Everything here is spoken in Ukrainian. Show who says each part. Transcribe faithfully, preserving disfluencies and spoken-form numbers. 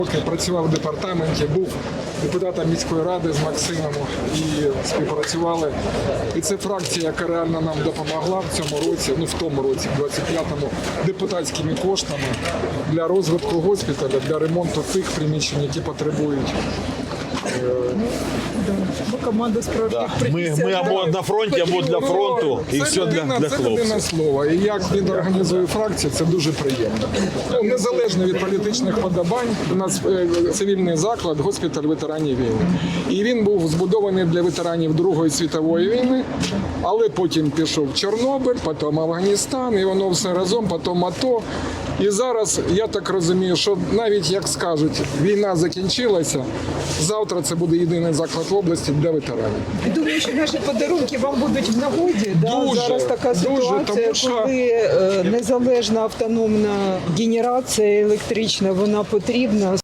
Speaker 1: Працював в департаменті, був депутатом міської ради з Максимом і співпрацювали. І це фракція, яка реально нам допомогла в цьому році, ну в тому році, в двадцять п'ятому, депутатськими коштами для розвитку госпіталя, для ремонту тих приміщень, які потребують.
Speaker 2: Бо команда справжніх
Speaker 3: Ми, ми або на фронті, або для фронту, і
Speaker 1: Це
Speaker 3: все для,
Speaker 1: людина-
Speaker 3: для
Speaker 1: Це людина
Speaker 3: хлопців.
Speaker 1: слова. І як він організує фракцію, це дуже приємно. Ну, незалежно від політичних подобань, у нас е, цивільний заклад, госпіталь ветеранів війни. І він був збудований для ветеранів Другої світової війни, але потім пішов Чорнобиль, потім Афганістан, і воно все разом, потім АТО. І зараз, я так розумію, що навіть, як скажуть, війна закінчилася, завтра це буде єдиний заклад в області для ветеранів.
Speaker 2: Думаю, що наші подарунки вам будуть в нагоді. Да?
Speaker 1: Дуже,
Speaker 2: Зараз така
Speaker 1: дуже,
Speaker 2: ситуація,
Speaker 1: тому що-
Speaker 2: коли е, незалежна автономна генерація електрична, вона потрібна.